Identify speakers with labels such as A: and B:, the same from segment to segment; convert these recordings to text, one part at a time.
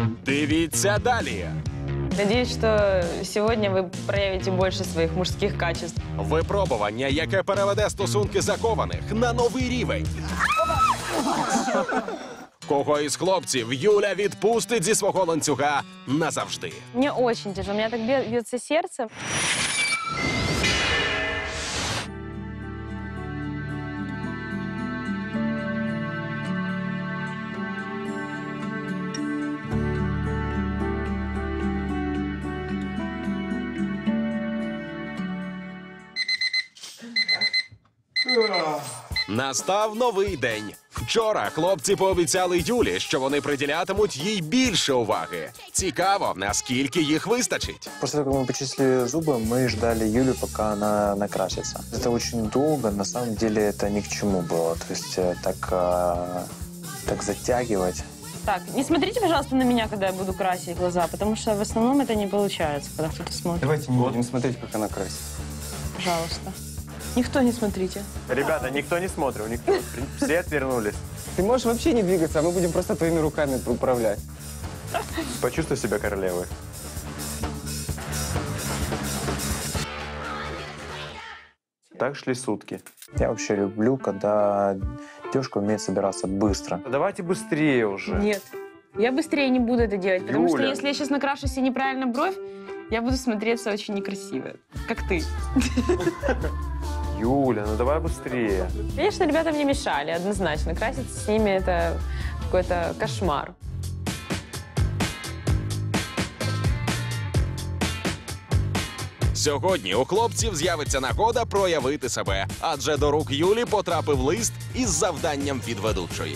A: Дивіться далі.
B: Надеюсь, что сегодня вы проявите больше своих мужских качеств.
A: Випробування, яке переведе стосунки закованих на новий рівень. Кого із хлопців Юля відпустить зі свого ланцюга назавжди?
B: Мне очень тяжело, у меня так бьется сердце.
A: Настав новий день. Вчора хлопці пообіцяли Юлі, що вони приділятимуть їй більше уваги. Цікаво, наскільки їх вистачить.
C: После того, как мы почистили зубы, мы ждали Юлю, пока она накрасится. Это очень долго, на самом деле это ни к чему было. То есть так затягивать.
B: Так, не смотрите, пожалуйста, на меня, когда я буду красить глаза, потому что в основном это не получается, когда кто-то смотрит.
D: Давайте не будем смотреть, как она красит.
B: Пожалуйста. Никто не смотрите.
D: Ребята, никто не смотрит, никто. Все отвернулись. Ты можешь вообще не двигаться, а мы будем просто твоими руками управлять. Почувствуй себя королевой. Так шли сутки.
C: Я вообще люблю, когда девушка умеет собираться быстро.
D: Давайте быстрее уже.
B: Нет. Я быстрее не буду это делать, потому что
D: Юля.
B: если я сейчас накрашу себе неправильно бровь, я буду смотреться очень некрасиво. Как ты.
D: Юля, ну давай быстрее.
B: Конечно, ребята мне мешали, однозначно. Краситься с ними — это какой-то кошмар.
A: Сьогодні у хлопців з'явиться нагода проявити себе, адже до рук Юлі потрапив лист із завданням від ведучої.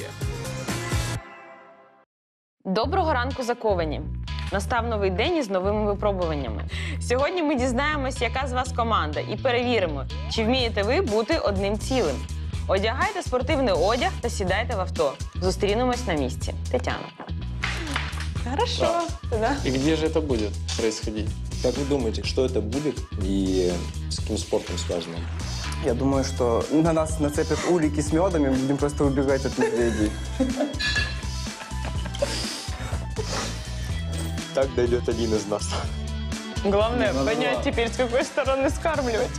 B: Доброго ранку, заковані! Настав новий день із новими випробуваннями. Сьогодні ми дізнаємось, яка з вас команда, і перевіримо, чи вмієте ви бути одним цілим. Одягайте спортивний одяг та сідайте в авто. Зустрінемось на місці. Тетяна. Хорошо. Да.
E: И где же это будет происходить? Как вы думаете, что это будет и с каким спортом связано?
D: Я думаю, что на нас нацепят улики с медом, и мы будем просто убегать от медведей.
E: Так дойдет один из нас.
B: Главное понять теперь, с какой стороны скармливать.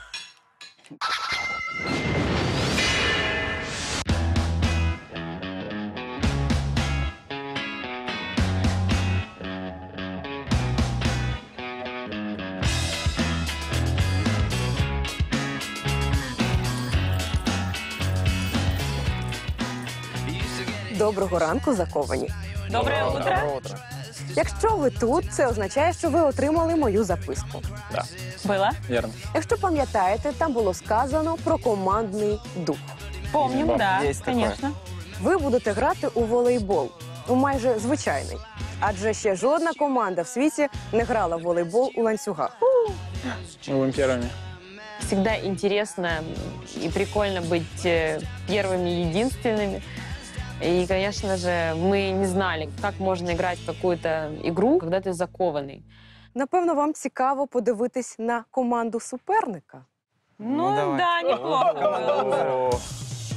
F: Доброго ранку, заковані.
B: Доброе утро.
F: Якщо ви тут, це означає, що ви отримали мою записку.
B: Было?
E: Верно.
F: Якщо пам'ятаєте, там було сказано про командний дух.
B: Помним, да,
D: Есть такое.
B: конечно.
F: Ви будете грати у волейбол, у майже звичайний. Адже ще жодна команда в світі не грала в волейбол у ланцюгах.
E: Мы будем первыми.
B: Всегда интересно и прикольно быть первыми, единственными. И, конечно же, мы не знали, как можно играть в какую-то игру, когда ты закованный.
F: Напевно, вам цікаво подивитись на команду суперника.
B: Ну
D: давай.
B: да, неплохо было.
D: О,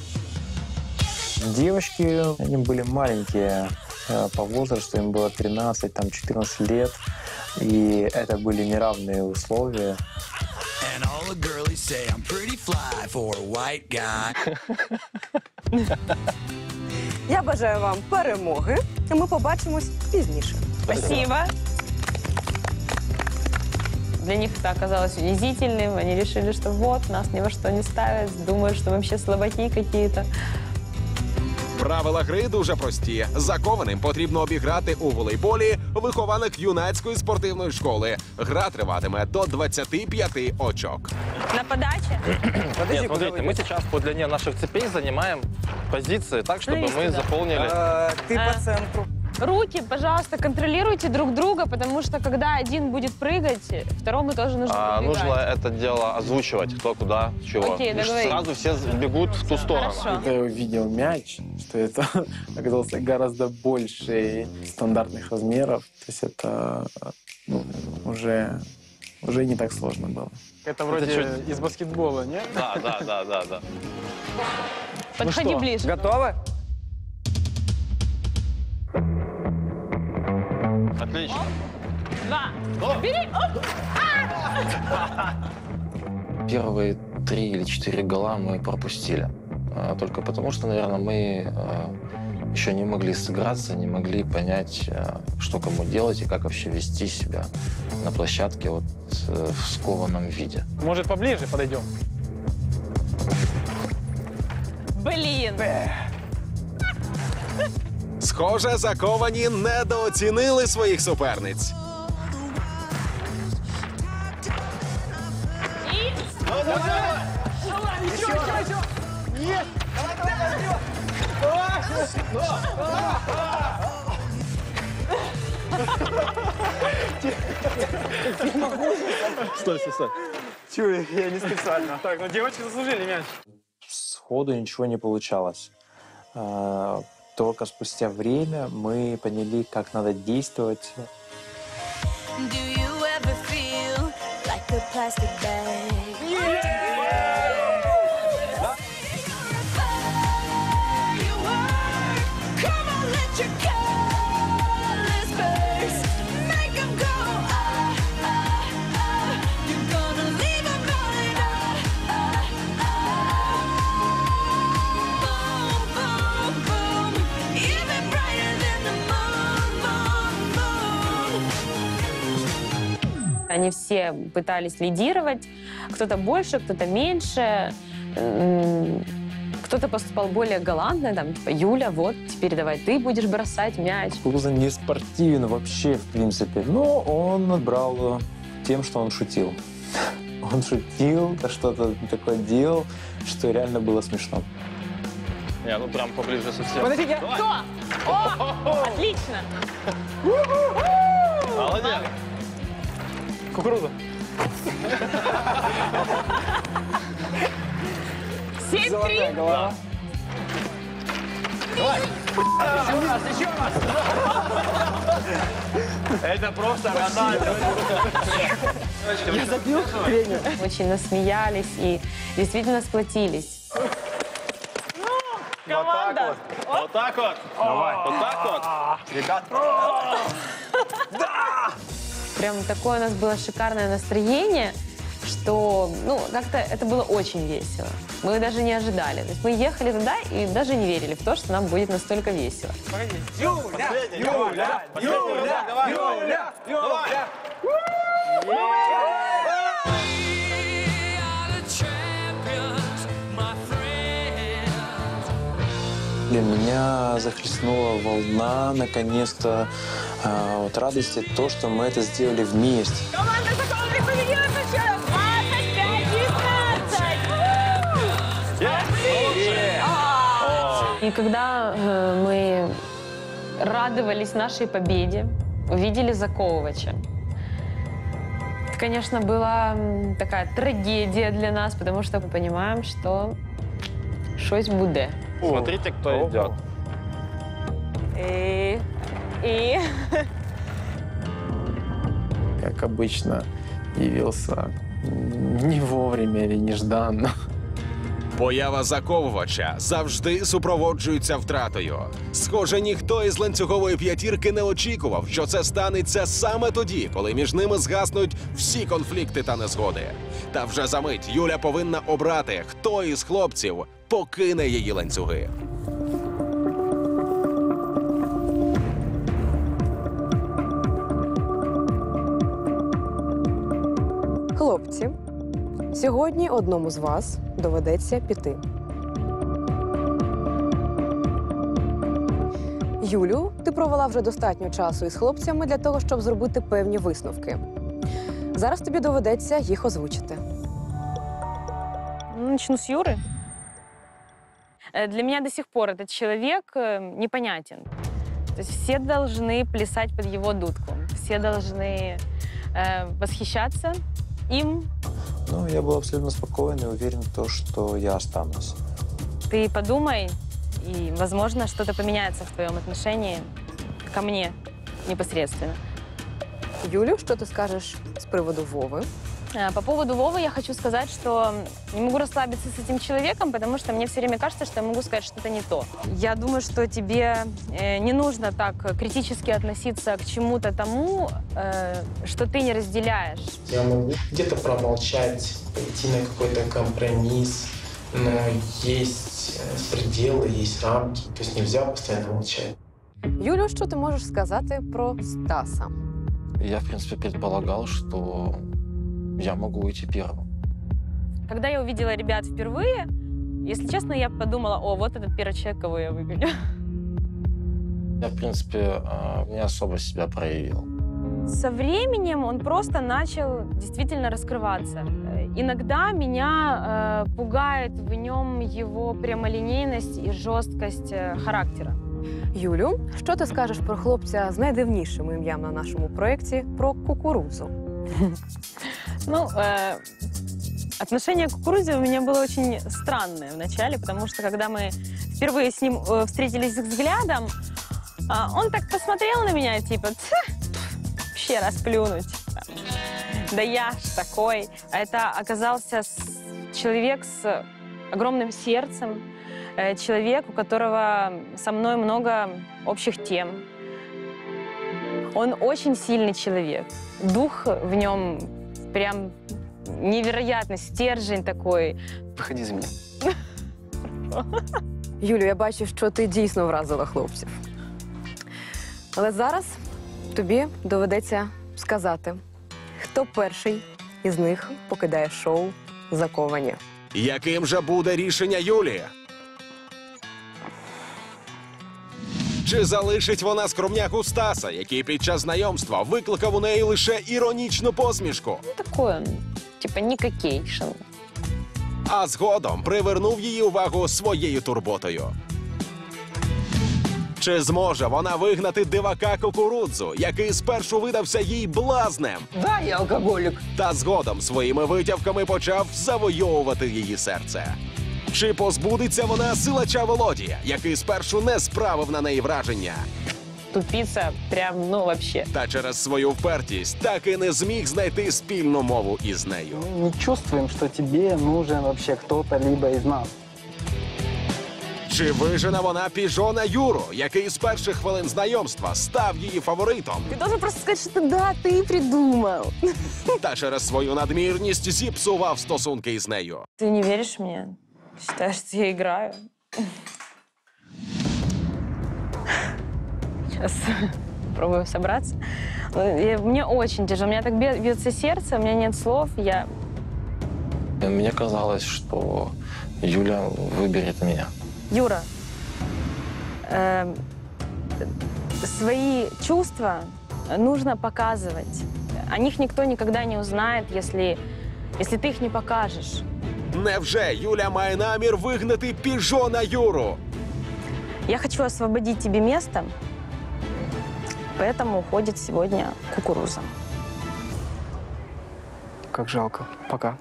C: Девочки, они были маленькие по возрасту, им было 13, там 14 лет. И это были неравные условия.
G: And all the girlies say I'm pretty fly for a white guy.
F: Я бажаю вам перемоги, і ми побачимось пізніше.
B: Спасибо. Для них это оказалось унизительным. Они решили, что вот, нас ни во что не ставят, думают, что мы вообще слабаки какие-то.
A: Правила гри дуже прості. Закованим потрібно обіграти у волейболі вихованок юнацької спортивної школи. Гра триватиме до 25 очок.
B: На подаче?
D: подожди,
E: Нет,
D: куда
E: смотрите,
D: вы
E: мы
D: идете?
E: сейчас по длине наших цепей занимаем позиции так, чтобы
B: Навести,
E: мы
B: да.
E: заполнили.
D: Ты по центру.
B: Руки, пожалуйста, контролируйте друг друга, потому что когда один будет прыгать, второму тоже нужно подбегать.
E: Нужно это дело озвучивать, кто куда, чего.
B: Окей,
E: И
B: договорились.
E: сразу все бегут в ту сторону.
B: Хорошо.
H: Когда я увидел мяч, что это оказался гораздо больше стандартных размеров, то есть это уже не так сложно было.
I: Это вроде из баскетбола, нет?
E: Да.
B: Подходи ближе.
D: Готовы?
I: Отлично.
B: 2. Бери! Оп!
J: Первые 3 или 4 гола мы пропустили. Только потому, что, наверное, мы еще не могли сыграться, не могли понять, что кому делать и как вообще вести себя на площадке вот в скованном виде.
I: Может, поближе подойдем?
B: Блін!
A: Схоже, заковані недооцінили своїх суперниць.
I: Стой, стой, стой.
D: Чую, я не специально.
I: Так, ну девочки заслужили мяч.
C: Сходу ничего не получалось. Только спустя время мы поняли, как надо действовать.
B: Они все пытались лидировать, кто-то больше, кто-то меньше. Кто-то поступал более галантно, там, типа, Юля, вот, теперь давай ты будешь бросать мяч.
C: Кукуруза не спортивен вообще, в принципе, но он брал тем, что он шутил. Он шутил, что-то такое делал, что реально было смешно.
I: Не, ну прям поближе совсем.
B: Подождите, кто? О, отлично!
I: Молодец. Кукуруза.
B: 7-3.
I: Голова. Давай. Еще раз. Это просто Рональдо.
F: Я забил тренер.
B: Очень насмеялись и действительно сплотились. Команда!
I: Вот так вот. Давай. Вот так вот.
D: Ребят.
B: Прям такое у нас было шикарное настроение, что, ну, как-то это было очень весело. Мы даже не ожидали. То есть мы ехали туда и даже не верили в то, что нам будет настолько весело.
I: Юля! Юля! Юля! Давай! Юля! Юля!
C: Для меня захлестнула волна, наконец-то, вот радости, то, что мы это сделали вместе.
B: Команда Закованных победила со счетом 25-15! И когда мы радовались нашей победе, увидели Заковывача, это, конечно, была такая трагедия для нас, потому что мы понимаем, что щось буде.
I: Смотрите, кто идет.
B: И...
H: Как обычно, явился не вовремя или нежданно.
A: Поява Заковувача завжди супроводжується втратою. Схоже, ніхто із ланцюгової п'ятірки не очікував, що це станеться саме тоді, коли між ними згаснуть всі конфлікти та незгоди. Та вже за мить Юля повинна обрати, хто із хлопців покине її ланцюги.
F: Хлопці, сьогодні одному з вас доведеться піти. Юлю, ти провела вже достатньо часу із хлопцями для того, щоб зробити певні висновки. Зараз тобі доведеться їх озвучити.
B: Начну с Юры. Для меня до сих пор этот человек непонятен. То есть все должны плясать под его дудку. Все должны восхищаться им.
C: Ну, я был абсолютно спокоен и уверен в том, что я останусь.
B: Ты подумай, и, возможно, что-то поменяется в твоем отношении ко мне непосредственно.
F: Юлю, що ти скажеш з приводу Вови?
B: По поводу Вовы я хочу сказать, что не могу расслабиться с этим человеком, потому что мне все время кажется, что я могу сказать что-то не то. Я думаю, что тебе не нужно так критически относиться к чему-то тому, что ты не разделяешь.
K: Я могу где-то промолчать, пойти на какой-то компромисс, но есть пределы, есть рамки, то есть нельзя постоянно молчать.
F: Юлю, що ти можеш сказати про Стаса?
J: Я, в принципе, предполагал, что я могу уйти первым.
B: Когда я увидела ребят впервые, если честно, я подумала, о, вот этот первый человек, кого я выгоню.
J: Я, в принципе, не особо себя проявил.
B: Со временем он просто начал действительно раскрываться. Иногда меня пугает в нем его прямолинейность и жесткость характера.
F: Юлю, що ти скажеш про хлопця з найдивнішим ім'ям на нашому проєкті про кукурудзу?
B: Ну, отношение к кукурузе у меня было очень странное вначале, потому что когда мы впервые с ним встретились взглядом, он так посмотрел на меня, типа, вообще расплюнуть. Да я ж такой. А это оказался человек с огромным сердцем, человек, у которого со мной много общих тем. Он очень сильный человек. Дух в нем прям невероятный, стержень такой.
D: Выходи за меня.
F: Юлю, я бачу, що ти дійсно вразила хлопців. Але зараз тобі доведеться сказати, хто перший із них покидає шоу «Заковані».
A: Яким же буде рішення Юлії? Чи залишить вона скромняку Стаса, який під час знайомства викликав у неї лише іронічну посмішку?
B: Такой он, типа, никакейшн.
A: А згодом привернув її увагу своєю турботою. Чи зможе вона вигнати дивака кукурудзу, який спершу видався їй блазнем?
L: Да, я алкоголік.
A: Та згодом своїми витівками почав завойовувати її серце. Чи позбудеться вона силача Володія, який спершу не справив на неї враження?
B: Тупица прям, ну, вообще.
A: Та через свою впертість так і не зміг знайти спільну мову із нею.
H: Мы не чувствуем, что тебе нужен вообще кто-то либо из нас.
A: Чи вижене вона піжона Юру, який з перших хвилин знайомства став її фаворитом?
F: Ти должен просто сказати, що да, ти придумав.
A: Та через свою надмірність зіпсував стосунки із нею.
B: Ты не веришь мне? Считаешь, что я играю? Сейчас попробую собраться. Мне очень тяжело. У меня так бьется сердце, у меня нет слов.
J: Мне казалось, что Юля выберет меня.
B: Юра, свои чувства нужно показывать. О них никто никогда не узнает, если ты их не покажешь.
A: Невже Юля має намір вигнати піжона Юру?
B: Я хочу освободить тебе место, поэтому уходит сегодня кукуруза.
H: Как жалко. Пока.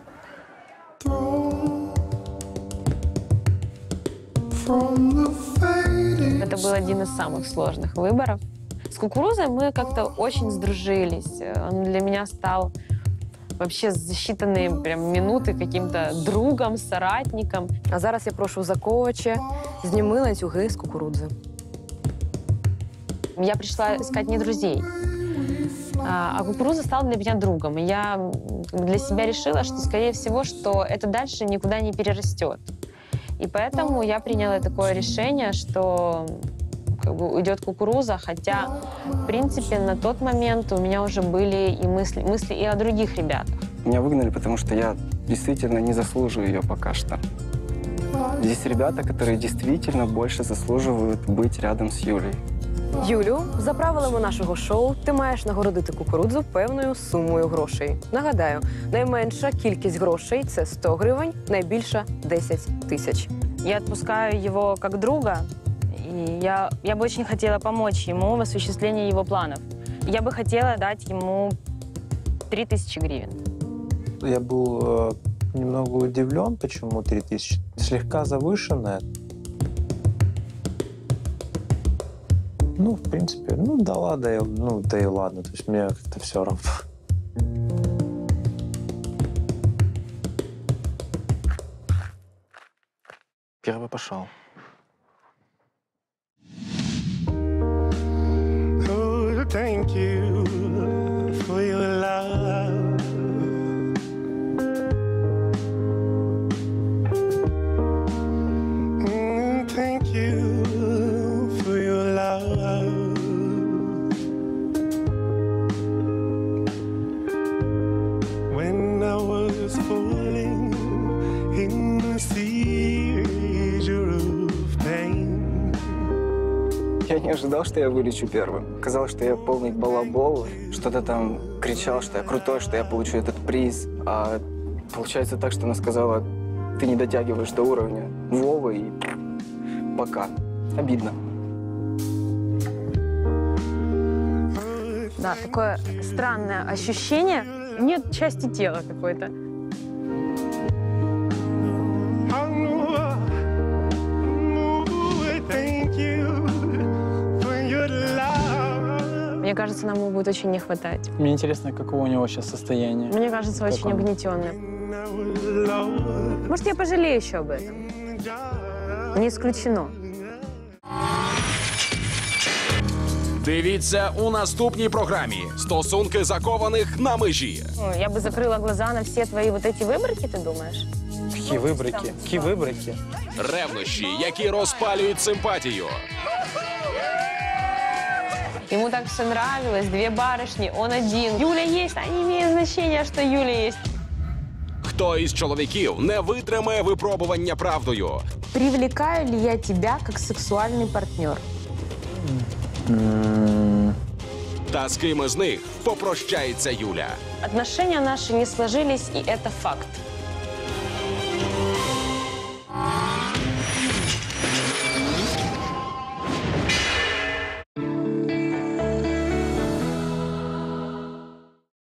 B: Это был один из самых сложных выборов. С кукурузой мы как-то очень сдружились. Он для меня стал вообще за считанные прям минуты каким-то другом, соратником.
F: А зараз я прошу Заковича, зніми ланцюги з кукурудзи.
B: Я пришла искать не друзей, а кукуруза стала для меня другом. И я для себя решила, что, скорее всего, что это дальше никуда не перерастет. И поэтому я приняла такое решение, что как бы уйдет кукуруза, хотя, в принципе, на тот момент у меня уже были и мысли и о других ребятах.
D: Меня выгнали, потому что я действительно не заслуживаю ее пока что. Здесь ребята, которые действительно больше заслуживают быть рядом с Юлей.
F: Юлю, за правилами нашого шоу, ти маєш нагородити кукурудзу певною сумою грошей. Нагадаю, найменша кількість грошей – це 100 гривень, найбільша – 10 тисяч.
B: Я отпускаю его как друга, и я бы очень хотела помочь ему в осуществлении его планов. Я бы хотела дать ему 3000 гривен.
C: Я был немного удивлен, почему 3000. Слегка завышенная. Ну, в принципе, ну да ладно, да и ладно. То есть мне как-то все равно.
J: пошел.
K: Oh, thank you for your love. Thank you for your love. When I was falling in the seizure of pain.
L: Я не ожидал, что я вылечу первым. Казалось, что я полный балабол, что-то там кричал, что я крутой, что я получу этот приз. А получается так, что она сказала, ты не дотягиваешь до уровня Вовы и пока. Обидно.
B: Да, такое странное ощущение. Нет части тела какой-то. Мне кажется, нам его будет очень не хватать.
H: Мне интересно, каково у него сейчас состояние.
B: Мне кажется,
H: Как
B: очень
H: он?
B: угнетенным. Может, я пожалею еще об этом? Не исключено.
A: Дивіться у наступній програмі «Стосунки закованих на межі».
B: Ну, я бы закрыла глаза на все твои вот эти выборки, ты думаешь?
H: Какие выборки? Какие выборки?
A: Ревнощі, які розпалюють симпатію.
B: Ему так все нравилось, две барышни, он один. Юля есть, а не имеет значения, что Юля есть.
A: Хто із чоловіків не витримає випробування правдою?
B: Привлекаю ли я тебя как сексуальный партнер?
A: Та з ким із них попрощається Юля?
B: Отношения наши не сложились, и это факт.